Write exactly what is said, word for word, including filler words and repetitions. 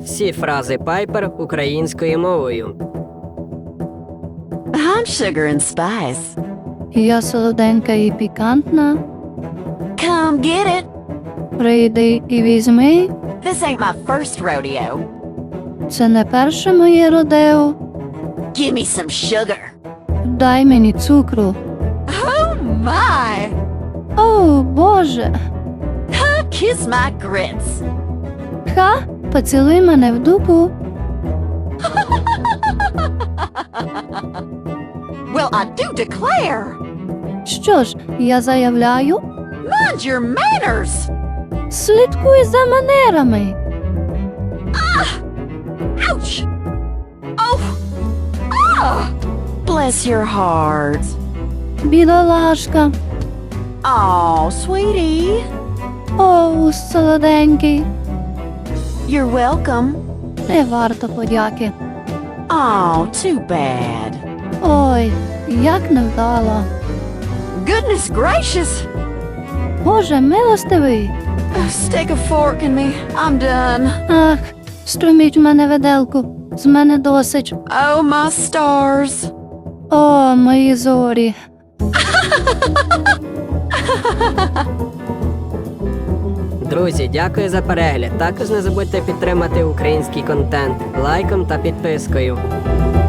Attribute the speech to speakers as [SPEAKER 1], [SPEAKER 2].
[SPEAKER 1] Всі фрази Пайпер українською мовою.
[SPEAKER 2] I'm sugar and spice.
[SPEAKER 3] Я солоденька і пікантна.
[SPEAKER 2] Come get it.
[SPEAKER 3] Прийди і візьми.
[SPEAKER 2] This ain't my first rodeo.
[SPEAKER 3] Це не перше моє родео.
[SPEAKER 2] Give me some sugar.
[SPEAKER 3] Дай мені цукру.
[SPEAKER 2] Oh my!
[SPEAKER 3] О, Боже!
[SPEAKER 2] Kiss my grits.
[SPEAKER 3] Ха, поцілуй мене в дупу.
[SPEAKER 2] Well, I do declare.
[SPEAKER 3] Що ж, я заявляю,
[SPEAKER 2] Mind your manners.
[SPEAKER 3] слідкуй за манерами.
[SPEAKER 2] Ouch! Oh! Ah! Bless your heart.
[SPEAKER 3] Бідолашка.
[SPEAKER 2] Oh, sweetie.
[SPEAKER 3] О, солоденький.
[SPEAKER 2] You're welcome.
[SPEAKER 3] Не варто подяки.
[SPEAKER 2] Oh, too bad.
[SPEAKER 3] Ой, як невдало.
[SPEAKER 2] Goodness gracious.
[SPEAKER 3] Боже, милостивий.
[SPEAKER 2] Stick a fork in me. I'm done.
[SPEAKER 3] Ах, струміть в мене виделку. З мене досить.
[SPEAKER 2] Oh, my stars.
[SPEAKER 3] О, мої зорі.
[SPEAKER 1] Друзі, дякую за перегляд. Також не забудьте підтримати український контент лайком та підпискою.